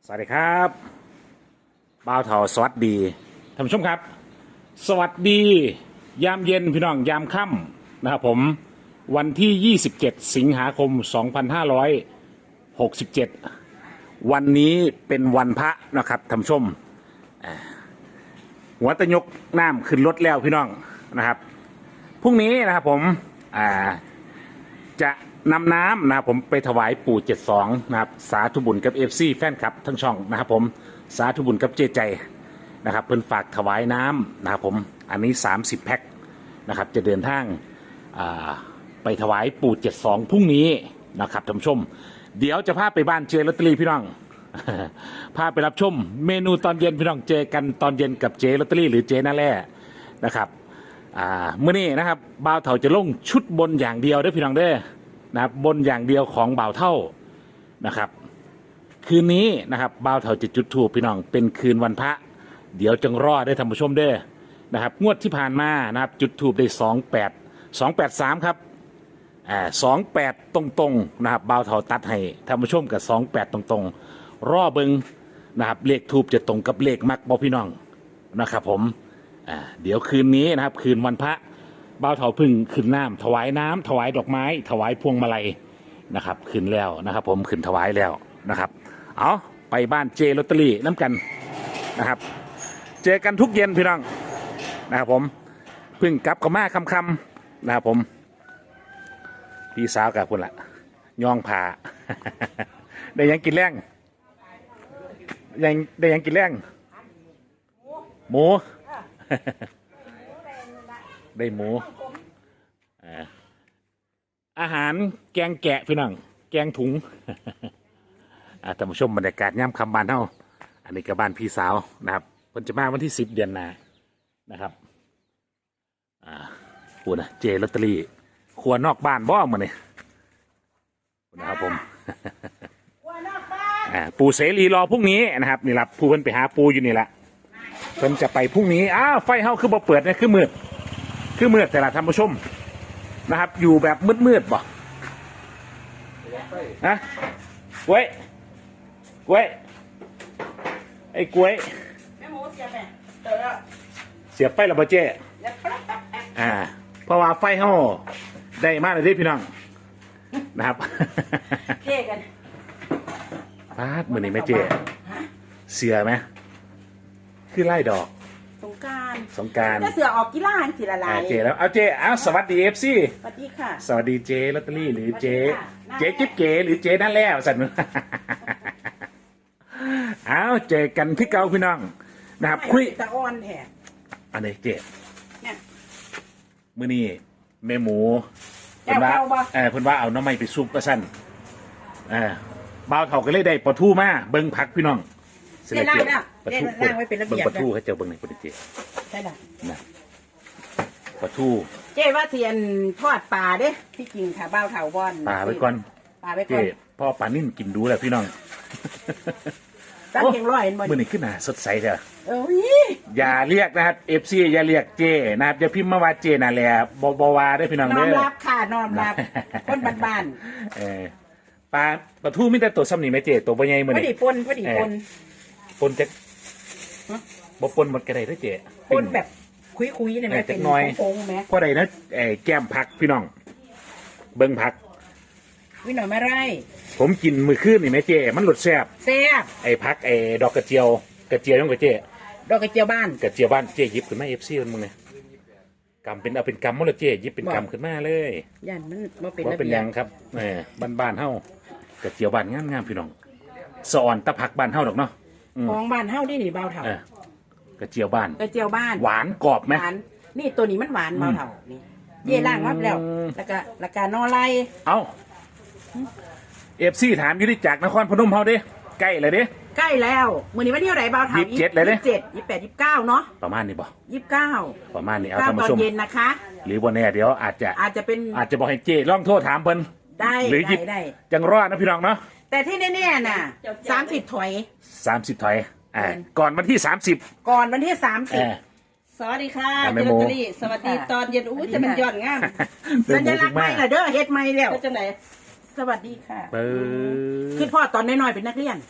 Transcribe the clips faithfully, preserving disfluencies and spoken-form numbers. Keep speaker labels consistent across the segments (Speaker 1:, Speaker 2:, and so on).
Speaker 1: สวัสดีครับบ่าวเถาสวัสดีท่านผู้ชมครับสวัสดียามเย็นพี่น้องยามค่ำนะครับผมวันที่ยี่สิบเจ็ดสิงหาคมสองพันห้าร้อยหกสิบเจ็ดวันนี้เป็นวันพระนะครับท่านผู้ชมหัวตะยกน้ำขึ้นรถแล้วพี่น้องนะครับพรุ่งนี้นะครับผมอ่าจะนำน้ำนะครับผมไปถวายปู่เจ็ดสองนะครับสาธุบุญกับเอฟซีแฟนคลับทั้งช่องนะครับผมสาธุบุญกับเจใจนะครับเพิ่นฝากถวายน้ำนะครับผมอันนี้สามสิบแพ็คนะครับจะเดินทางไปถวายปู่เจ็ดสองพรุ่งนี้นะครับท่านผู้ชมเดี๋ยวจะพาไปบ้านเจลอตเตอรี่พี่น้อง พาไปรับชมเมนูตอนเย็นพี่น้องเจอกันตอนเย็นกับเจลอตเตอรี่หรือเจน่าแร่นะครับเมื่อนี้นะครับบ่าวเถาจะลงชุดบนอย่างเดียวเด้อพี่น้องเด้อนะครับบนอย่างเดียวของบ่าวเท่านะครับคืนนี้นะครับบ่าวเท่าจะจุดธูปพี่น้องเป็นคืนวันพระเดี๋ยวจงรอได้ท่านผู้ชมเด้อนะครับงวดที่ผ่านมานะครับจุดธูปได้สองแปดสองแปดสามครับอ่าสองแปดตรงๆนะครับบ่าวเท่าตัดให้ท่านผู้ชมกับสองแปดตรงๆรอเบิงนะครับเลขธูปจะตรงกับเลขมักบ่พี่น้องนะครับผมอ่าเดี๋ยวคืนนี้นะครับคืนวันพระบ่าวเถาพึ่งขึ้นน้ำถวายน้ำถวายดอกไม้ถวายพวงมาลัยนะครับขึ้นแล้วนะครับผมขึ้นถวายแล้วนะครับเอาไปบ้านเจลอตเตอรี่น้ำกันนะครับเจอกันทุกเย็นพี่น้องนะครับผมพึ่งกลับกับมาคำๆนะครับผมพี่สาวกับคุณละย่องผ่า ได้ยังกินแรงยังได้ยังกินแรงหมู ได้หมูอาหารแกงแกะพี่น้องแกงถุง ท่านผู้ชมบรรยากาศย่ำคำบานเท่าอันนี้กับบ้านพี่สาวนะครับเพิ่นจะมาวันที่สิบเดือนหน้านะครับอ่าพูดนะเจลอตเตอรี่ครัวนอกบ้านบ่มาเนี่ยนะครับผม อ่าปูเสรีรอพรุ่งนี้นะครับนี่ละผู้เพิ่นไปหาปูอยู่นี่แหละเพิ่นจะไปพรุ่งนี้อ้าวไฟเฮาคือบ่เปิดเนี่ยคือมืดคือมืดแต่ละท่านผู้ชมนะครับอยู่แบบมืดๆบ่นะกล้วยกล้วยไอ้กล้วยเสียบไฟระเบิดเจ้อ่าเพราะว่าไฟเฮาได้มากเลยที่พี่น้องนะครับ
Speaker 2: เจ๊กัน
Speaker 1: พาดมือนี้แม่เจ้เสือไหมคือไล่ดอก
Speaker 2: สงการ
Speaker 1: สงการ
Speaker 2: ถ้าเสือออกกีฬาสิละลาย
Speaker 1: เจแล้วเอาเจเอาสวัสดีเอฟซี
Speaker 2: สวัสดีค่ะ
Speaker 1: สวัสดีเจลอตเตอรี่หรือเจเจกิ๊บเก๋หรือเจนั่นแล้วสันเอาเจกันที่เก่าพี่น้องนะครับคุย
Speaker 2: ตะอ่อนแท้
Speaker 1: อันนี้เจมื้อนี้แม่หมูเพิ่นว่าเออเพิ่นว่าเอาน้ำไม้ไปซุปก็สั้นเออบ่าวเฒ่าก็เลยได้ปลาทูมาเบิ่งผักพี่น้อง
Speaker 2: เจ๊ล่างเนี่ยเจ๊ล่างไว้เป็นระเบียบ
Speaker 1: ปลาทูให้เจ้าเบิ่งในปฏิเจ
Speaker 2: ใช่ไหม
Speaker 1: นะปลาทู
Speaker 2: เจ๊ว่าเทียนทอดปลาเด้ที่จริงค่ะบ่าวเฒ่าบอน
Speaker 1: ปลาไว้ก่อน
Speaker 2: ปลาไว้ก่อน
Speaker 1: พ่อปลานิ่มกินดูแหละพี่น้อง
Speaker 2: ตั้งเก่งร้อยเห็นบ่
Speaker 1: มื้อนี้ขึ้นหน้าสดใสเด้อ
Speaker 2: โอ้ย
Speaker 1: อย่าเรียกนะครับ เอฟ ซี อย่าเรียกเจนะครับอย่าพิมพ์มาว่าเจน่ะแหละบ่บ่ว่าได้พี่น้องเด้อ
Speaker 2: น้อมรับค่ะน้อมรับคนบ้าน
Speaker 1: ๆเออปลาปลาทูมีแต่ตัวซ้ำนี่แม่เจตัวบ่ใหญ่มื้อนี้
Speaker 2: พอดีปนพอดีปน
Speaker 1: ปนจักบ่ปนหมดก็ได้เด้อเจ
Speaker 2: ปนแบบคุยๆนี่แม่เป็นโค้งๆแม่
Speaker 1: พอได้นะไอ้แก้มผักพี่น้องเบิ่งผัก
Speaker 2: วิหน่อยไม่ไร
Speaker 1: ผมกินมื้อคืนนี่แม่เจมันรสแซ่บ
Speaker 2: แซ่บ
Speaker 1: ไอ้ผักไอ้ดอกกระเจียวกระเจียวยังกระเจ
Speaker 2: ดอกกระเจียวบ้าน
Speaker 1: กระเจียวบ้านเจยิบขึ้นมา เอฟ ซี มันมึงเนี่ยกำเป็นเอาเป็นกำมั้งละเจยิบเป็นกำขึ้นมาเลย
Speaker 2: ยันมันว่าเป็น
Speaker 1: ว่าเป็นยังครับเออบ้านบ้านเฮากระเจียวบ้านงามงามพี่น้องสอนตะผักบ้านเฮาดอกเนาะ
Speaker 2: ของบ้านเฮานี่นี่เบาเถ
Speaker 1: ากระเจียวบ้าน
Speaker 2: กระเจียวบ้าน
Speaker 1: หวานกรอบไหม
Speaker 2: หวานนี่ตัวนี้มันหวานเบาเถานี่เย่ล่างวับแล้วแล้วก็แล้วก็นอไล
Speaker 1: เอ้าเอฟซีถามอยู่ที่จากนครพนมเฮาเด้ใกล้เลยเด้
Speaker 2: ใกล้แล้วมื้อนี้วันที่เท่าไหร่เบาเถา
Speaker 1: ยี่สิบเจ็ดเลยเด้
Speaker 2: ยี่สิบเจ็ดยี่สิบแปดยี่สิบเก้าเนาะ
Speaker 1: ประมาณนี้บ่
Speaker 2: ยี่สิบเก้า
Speaker 1: ประมาณนี้เอาท่านผู้ชม
Speaker 2: ตอนเย็นนะคะ
Speaker 1: หรือวันนี้เดี๋ยวอาจจะ
Speaker 2: อาจจะเป็น
Speaker 1: อาจจะบอกให้เจลองโทษถามเพิ่น
Speaker 2: ได้
Speaker 1: หรือหยิบจังรอดนะพี่น้องเนาะ
Speaker 2: แต่ที่แน่ๆน่ะสามสิบถอย
Speaker 1: สามสิบถอยอ่าก่อนวันที่สามสิบ
Speaker 2: ก่อนวันที่สามสิบ
Speaker 3: สวัสดีค่ะเจลอตเตอรี่สวัสดีตอนเย็นอู้จะเป็นย้อนงาม
Speaker 2: สัญลักษณ์ไม่ละเด้อเฮ็ดไม่แล้ว
Speaker 3: จังไหน
Speaker 2: สวัสดีค่ะ
Speaker 1: เออ
Speaker 2: คือพ่อตอนน้อยๆเป็นนักเรียน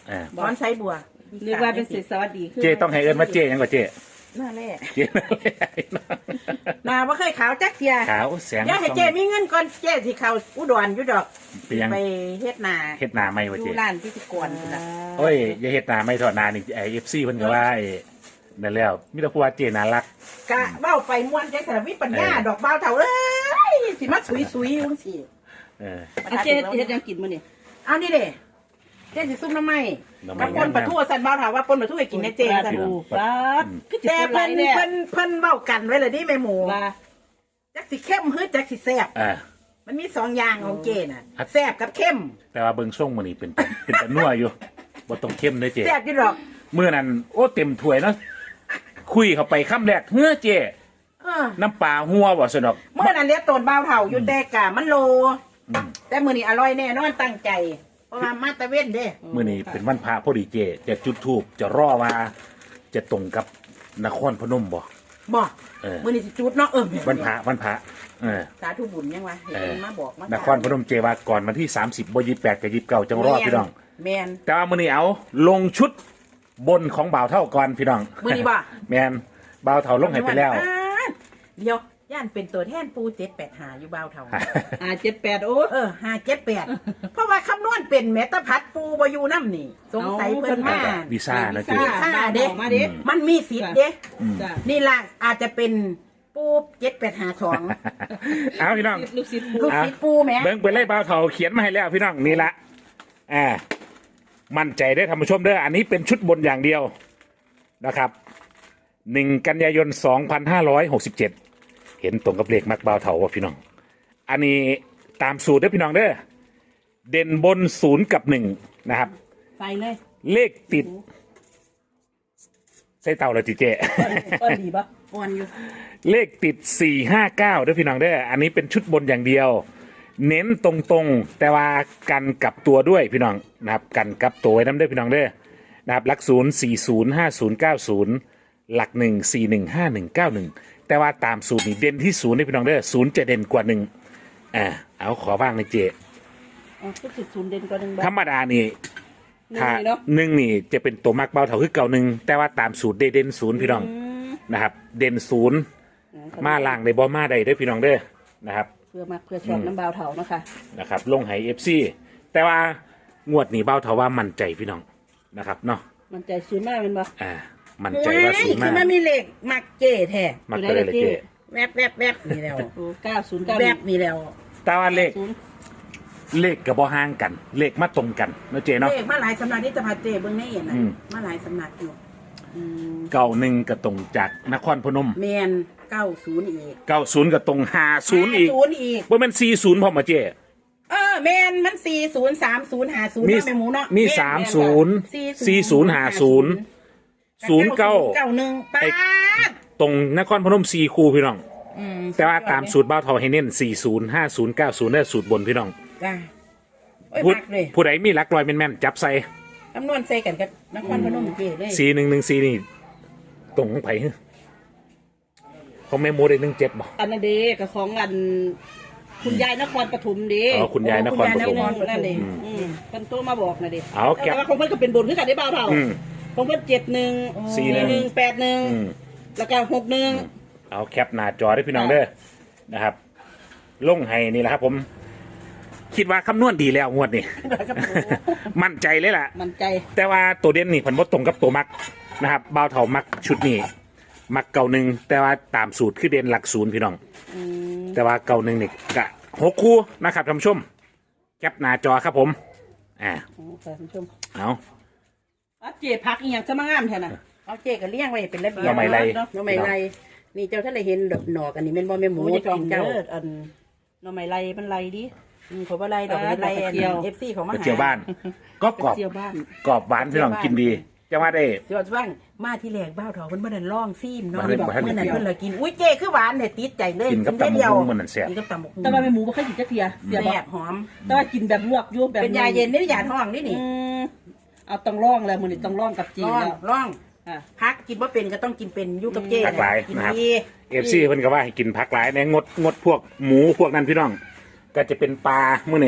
Speaker 1: เออ
Speaker 2: ถอนไซบัว
Speaker 3: เรียกว่าเป็นสิสวัสดีคือ
Speaker 1: เจต้องให้เอิ้นว่าเจยังกว่าเจ
Speaker 2: หน้าแรก
Speaker 1: เจ
Speaker 2: หน้าบ่เคยขาวจักเทีย
Speaker 1: ขาวแสง
Speaker 2: อย่าให้เจมีเงินก่อนเจสิเข้าอุดรอยู่ดอก
Speaker 1: ไปยัง
Speaker 2: ไปเฮ็ดนา
Speaker 1: เฮ็ดหนาไม่
Speaker 2: อ
Speaker 1: ว่าเจ
Speaker 2: ยู่ร้านพิธีกรพุ่นน่ะ
Speaker 1: โอ้ยอย่าเฮ็ดหนาไม่ถอดหนานี่ไอเอฟซีเพิ่นก็ว่าไอ้นั่นแล้วมีแต่ผู้ว่าเจน่ารัก
Speaker 2: กะเว้าไปม่วนใจแต่วิปัญญาดอกบ่าวเฒ่าเอ้ยสิมาสุยๆจังซี่
Speaker 1: เออ
Speaker 3: อาเจเฮ็ดยังกินมื้อนี่
Speaker 2: เอานี่เด้เจสิซุ่มน้ำไม้
Speaker 1: น้ำไม้
Speaker 2: กับปนปลาทูสั่นบ่าวเฒ่าว่าปนปลาทูให้กินในเจสั่น
Speaker 3: ดูปลาคือ
Speaker 2: แต่
Speaker 3: เพิ่
Speaker 2: เพิ่น
Speaker 3: น
Speaker 2: เพิ่นเพิ่นเว้ากันไว้เลยนี่แม่หมู
Speaker 3: ว่า
Speaker 2: จักสิเข้มหรือจักสิแซ่บ
Speaker 1: อ่า
Speaker 2: มันมีสองอย่างของเจน่ะ
Speaker 1: ครับ
Speaker 2: แซ่บกับเข้ม
Speaker 1: แต่ว่าเบิ่งช่วงมื้อนี้เป็นเป็นตะนัวอยู่บ่ต้องเข้มเด้อเจ
Speaker 2: แซ่บอยู่ดอก
Speaker 1: มื้อนั้นโอ้เต็มถ้วยเนาะคุยเข้าไปคำแรกเฮ้อเจ
Speaker 2: เออ
Speaker 1: น้ำปลาหัวบ่สนอก
Speaker 2: เมื่อนั้นเรียกต้นบ่าวเฒ่าอยู่แต่กะมันโล
Speaker 1: อืม
Speaker 2: แต่มื้อนี้อร่อยแน่นอนตั้งใจ เพราะว่ามาตะเว้นเด้
Speaker 1: มื้อนี้เป็นวันพระพอดีเจ จะจุดธูปจะรอว่าจะตรงกับนครพนมบ่
Speaker 2: บ่
Speaker 1: เออ
Speaker 2: มื้อนี้สิจุดเนาะเออ
Speaker 1: วันพระวันพระเออ
Speaker 2: สาธุบุญยังวะเห็น
Speaker 1: เออ
Speaker 2: มาบอกมาน
Speaker 1: ครพนมเจว่าก่อนวันที่สามสิบบ่ยี่สิบแปดกับยี่สิบเก้าจังรอพี่น้อง
Speaker 2: แม่น
Speaker 1: แต่ว่ามื้อนี้เอาลงชุดบนของบ่าวเท่าก่อนพี่น้อง
Speaker 2: มื้อนี้บ่
Speaker 1: แม่นบ่าวเท่าลงให้ไปแล้ว
Speaker 2: อ่าเดี๋ยวย่านเป็นตัวแทนปูเจ็ดแปดหาอยู่บ่าวเฒ่า
Speaker 3: อ่าเจ็ดแปดโอ้
Speaker 2: เออห้าเจ็ดแปดเพราะว่าคำนวณเป็นแมตาพัดปูบอยู่น้ำนี่ สงสัยเพิ่นมา
Speaker 1: วีซ่านะเจ
Speaker 2: วีซ่าเด้
Speaker 3: มาเด้
Speaker 2: มันมีสิทธิ์เด้
Speaker 3: จ้ะ
Speaker 2: นี่ล่ะอาจจะเป็นปูเจ็ดแปดหาสอง
Speaker 1: เอาพี่น้อง
Speaker 3: ลูกศิษย์
Speaker 2: ลูกศิษย์ปูแหม่
Speaker 1: เบิ่งไปเลยบ่าวเท่าเขียนมาให้แล้วพี่น้องนี่ละอ่ามั่นใจได้อท่านผู้ชมเด้ออันนี้เป็นชุดบนอย่างเดียวนะครับหนึ่งกันยายนสองพันห้าร้อยหกสิบเจ็ดเห็นตรงกับเลขมักบ่าวเท่าว่าพี่น้อง อันนี้ตามสูตรเด้อพี่น้องเด้อเด่นบนศูนย์กับหนึ่งนะครับ
Speaker 3: ใส่เลย
Speaker 1: เลขติดใส่เต่าเลยจีเจ
Speaker 3: ต้นดีปะ
Speaker 2: อ่อนอยู่
Speaker 1: เลขติดสี่ห้าเก้าด้วยพี่น้องเด้ออันนี้เป็นชุดบนอย่างเดียว เน้นตรงๆ แต่ว่ากันกลับตัวด้วยพี่น้องนะครับกันกลับตัวไว้น้ำเด้อพี่น้องเด้อนะครับหลักศูนย์สี่ศูนย์ห้าศูนย์เก้าศูนย์หลักหนึ่งสี่หนึ่งห้าหนึ่งเก้าหนึ่งแต่ว่าตามสูตรนี้เด่นที่ศูนย์ด้วยพี่น้องเด้อศูนย์จะเด่นกว่าหนึ่งอ่าเอาขอว่างในอยเจ
Speaker 3: อ๋อลูกศิษย์ศูนย์เด่นกว่าหนึ่งบา
Speaker 1: ธรรมดานี่
Speaker 3: หนึ่ง
Speaker 1: ถ้า
Speaker 3: เลยเนาะ
Speaker 1: หนึ่งนี่จะเป็นตัวมักเบาเท่าคือเก่าหนึ่งแต่ว่าตามสูตรเด่นศูนย์พี่น้อง
Speaker 3: อืม
Speaker 1: นะครับ เด่นศูนย์มาล่างในบอมาใดเด้อพี่น้องเด้อนะครับ
Speaker 3: เพื่อมาเพื่อชอบน้ำบาวเถาเนาะค่ะ
Speaker 1: นะครับลงไหเอฟซีแต่ว่างวดนี้เบาเท่าว่ามั่นใจพี่น้องนะครับเนาะ
Speaker 3: มันใจศูนย์มากเป็นปะ
Speaker 1: อ่ามั่นใจว่าสูง
Speaker 2: คื
Speaker 1: มา
Speaker 2: อก มันมีเลขมักเจ้แท้
Speaker 1: มักเลยเลยเจ
Speaker 2: แวบแวบแวบนี่แล้ว
Speaker 3: โอ้เก้าศูนย์เก้า
Speaker 2: แวบนี่แล้ว
Speaker 1: แต่ว่าเลข
Speaker 3: ศูนย์
Speaker 1: เลขกับบอห่างกัน เลขมาตรงกันเนาะเจเนาะ
Speaker 2: เลขมาหลายสำนักที่จะพาเจเบิ่งในเอ็นน่ะ
Speaker 1: อืม
Speaker 2: มาหลายสำนักอยู่
Speaker 3: อืม
Speaker 1: เก่าหนึ่งกับตรงจากนครพนม
Speaker 2: แมนเก้าศูนย์อีก
Speaker 1: เก่าศูนย์กับตรงห้าศูนย์อีก
Speaker 2: ศูนย์อีก
Speaker 1: ว่ามันสี่ศูนย์พอมาเจ
Speaker 2: เออแมนมันสี่ศูนย์สามศูนย์หาศูนย์
Speaker 1: มี
Speaker 2: เนาะแม่หมูเนาะ
Speaker 1: มี
Speaker 2: แน
Speaker 1: สาม
Speaker 2: แน
Speaker 1: ศูนย์ สี่ศูนย์ห้าศูนย์ ศูนย์เก้า
Speaker 2: เก้าหนึ่งป้าด
Speaker 1: ตรงนครพนมสี่คูพี่น้อง
Speaker 2: อืม
Speaker 1: แต่ว่าตามสูตรเบ้าเทาให้เน้นสี่ศูนย์ห้าศูนย์เก้าศูนย์ได้สูตรบนพี่น้อง
Speaker 2: จ้าโอ้ย
Speaker 1: ผู้
Speaker 2: มักเลย
Speaker 1: ผู้ใดมีหลักลอยแม่นๆจับใส่
Speaker 2: คำนวณใส่กันกับนครพนมเจ้เลย
Speaker 1: สี่หนึ่งหนึ่งสี่นี่ตรงของไผ่ของแม่โมได้หนึ่งเจ็ดบ่
Speaker 3: อันนั้นเด็กกับของอัน คุณยายนครปฐมเด็
Speaker 1: อ๋อคุณยายนครปฐม
Speaker 3: นั่นเองอืมเพิ่นโตมาบอกนะเด็
Speaker 1: เอาแก็บ
Speaker 3: แต่ว่าของเพิ่นก็เป็นบนคือกันได้บ่าวเท่า
Speaker 1: อืม
Speaker 3: ของเพิ่นเจ็ดหนึ่ง
Speaker 1: สี่หนึ่ง
Speaker 3: หนึ่งแปดหนึ่ง
Speaker 1: อืม
Speaker 3: แล้วก็หกหนึ่ง
Speaker 1: เอาแคปหน้าจอได้พี่น้องเด้อนะครับ ลงให้นี่แหละครับ ผม คิดว่าคำนวณดีแล้วงวดนี้ มั่นใจเลยล่ะ
Speaker 3: มันใจ
Speaker 1: แต่ว่าตัวเด่นนี่ผลบ่ตรงกับตัวมักนะครับเบาเถามักชุดนี้มักเก่าหนึ่งแต่ว่าตามสูตรคือเด่นหลักศูนย์พี่น้อง
Speaker 3: อืม
Speaker 1: แต่ว่าเก่าหนึ่งนี่กะหกคู่นะครับท่านผู้ชมแคปหน้าจอครับผมอ่า
Speaker 3: โอ้ค่ะท่านผู้ชม
Speaker 1: เอา
Speaker 3: อ่ะเจ็พักอีหยังจะมางามแท้น่ะ
Speaker 2: เอาเจ๊ก็เลี้ยงไว้เป็นระเบียบ
Speaker 1: เราไม่ไร
Speaker 2: เนาะไม่ไรนี่เจ้าท่านได้เห็นดอกหนอกอันนี้แม่นบ่แม่หมู
Speaker 3: โอ้ย
Speaker 2: จะ
Speaker 3: จอ
Speaker 2: กิ
Speaker 3: ม
Speaker 2: น
Speaker 3: เจ้า
Speaker 2: เจ้า
Speaker 3: อันหน่อไม้ไรมันไรดิ
Speaker 2: อืมเขาบ่ไรดอก
Speaker 3: อ่า
Speaker 2: เป็นไร
Speaker 3: ดอกกระเจียว
Speaker 2: เอฟซีเขามาก
Speaker 1: ระ
Speaker 2: หา
Speaker 1: เจียวบ้าน ก็กรอบ
Speaker 3: เจียวบ้าน
Speaker 1: กรอบหวานพี่น้องกินดีจะว่าได้
Speaker 2: เจียวบ้านมาที่แรกบ้าวเถาเพิ่นบ่ได้ล่องซีมเนาะ
Speaker 1: บ่ได้บ่ได้
Speaker 2: เมื่อนั้นเพิ่นเลยกินอุ้ยเจ๊คือหวานเนี่ยติดใจเลย
Speaker 1: กินกับ
Speaker 2: ได้เดียว
Speaker 1: ตำบักหุ่งมันนั่นแซ่บ
Speaker 2: กินกับตำบักหุ่ง
Speaker 3: แต่ว่าแม่หมูบ่เคยกินจักเทียเสีย
Speaker 2: แซ่
Speaker 3: บ่
Speaker 2: บหอม
Speaker 3: แต่ว่ากินแบบลวกอยู่แบบ
Speaker 2: เป็นยาเย็นนี่ยาท้องนี่นี่
Speaker 3: อืมเอาต้องร่องแล้วมื้อนี้ต้องร่องกับจีน
Speaker 2: ร่อง
Speaker 3: แล้ว
Speaker 2: ร่อง
Speaker 3: อ่ะ
Speaker 2: พักกินบ่เป็นก็ต้องกินเป็นอยู่กับเจ๊
Speaker 1: ผักหลาย
Speaker 2: กิน
Speaker 1: นะครับ
Speaker 2: ดี
Speaker 1: เอฟซีเพิ่นก็ว่าให้กินผักหลายในงดงดพวกหมูพวกนั้นพี่น้อง ก็จะเป็นปลามื้อนี่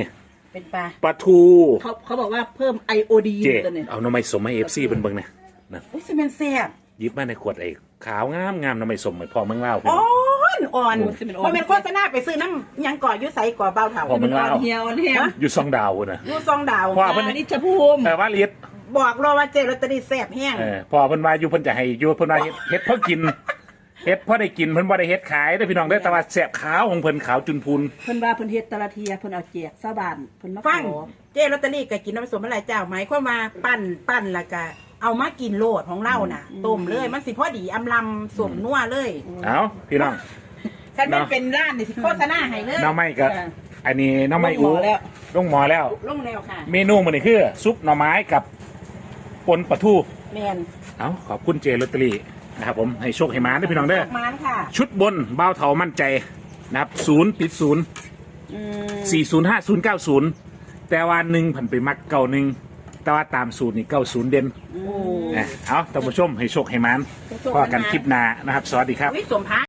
Speaker 2: เป็นปลา
Speaker 1: ปลาทู
Speaker 3: เขาเขาบอกว่าเพิ่มไอโอดีน
Speaker 1: เจ
Speaker 3: ตัวนี้
Speaker 1: เอาหน้ำไม้สมให้เอฟซีเป็นเบิ่งเนี่ยนะ
Speaker 2: อุ้ยซีเมนแซ่บ
Speaker 1: หยิบมาในขวดไอ้ขาวงามงามหน้ำไม้สมเหมือนพ่อเมืองเล่าวพี่
Speaker 2: อ่
Speaker 1: น้อง
Speaker 2: อนอ่อนบ่เป็นโฆษณาไปซื้อน้ำหยังก่ออยู่ไสก่อเบาเถา
Speaker 1: พอมัน
Speaker 3: อ่
Speaker 1: เล่า
Speaker 3: อนเหี่ยวอ่อนแห้ง
Speaker 1: อยู่ซองดาวพุ่นนะ
Speaker 2: อยู่ซองดาว
Speaker 1: ว่า เพิ่น
Speaker 3: อันนี้จะภูมิ
Speaker 1: แต่ว่าเลียด
Speaker 2: บอกรอว่าเจลอตเตอรี่แซ่บแห้ง
Speaker 1: เออพอเพิ่นว่าอยู่เพิ่นจะให้อยู่เพิ่นว่าเฮ็ดเฮ็ดเพื่อกินเฮ็ดเพื่อได้กินเพิ่นบ่ได้เฮ็ดขายเด้อพี่น้องเด้อแต่ว่าแซ่บขาวของเพิ่นขาวจุนพูน
Speaker 3: เพิ่นว่าเพิ่นเฮ็ดแตละเทียเพิ่นเอาแจกชาวบ้านเพิ่นมา
Speaker 2: ฟัง
Speaker 3: ขอ
Speaker 2: เจลอตเตอรี่ก็กินน้ำผสมอะไรเจ้าไหมความว่าปั้นปั้นแล้วก็เอามากินโลดของเราน่ะต้มเลยมันสิพอดีอำลำสวมนัวเลย
Speaker 1: เอ้าพี่น้อง
Speaker 2: คันมันเป็นร้านนี่สิโฆษณาให้เลย
Speaker 1: หน้ำไม้ก็อันนี้หน้ำไม้
Speaker 3: ลงห
Speaker 1: อู
Speaker 3: มอแล้ว
Speaker 1: ลงหมอแล้ว
Speaker 2: ลงแล้วค่ะ
Speaker 1: เมนูมันนี่คือซุปหน่อไม้กับปนปลาทู
Speaker 2: แมน
Speaker 1: เอาขอบคุณเจลอตเตอรี่นะครับผมให้โชคให้มาด้วยพี่น้องเด้อ
Speaker 2: ดอกมานค่ะ
Speaker 1: ชุดบนเบ้าเถามั่นใจนะครับศูนย์ติดศูนย์
Speaker 3: อืม
Speaker 1: สี่ศูนย์ห้าศูนย์เก้าศูนย์แต่ว่าหนึ่งผันไปมักเก่าหนึ่งแต่ว่าตามสูตรนี่เก้าศูนย์เด่น
Speaker 3: โอ้
Speaker 1: นะเอาท่านผู้ชมให้โชคให้มันพอกันคลิปหน้านะครับ สวัสดีครับ
Speaker 2: วิสมพั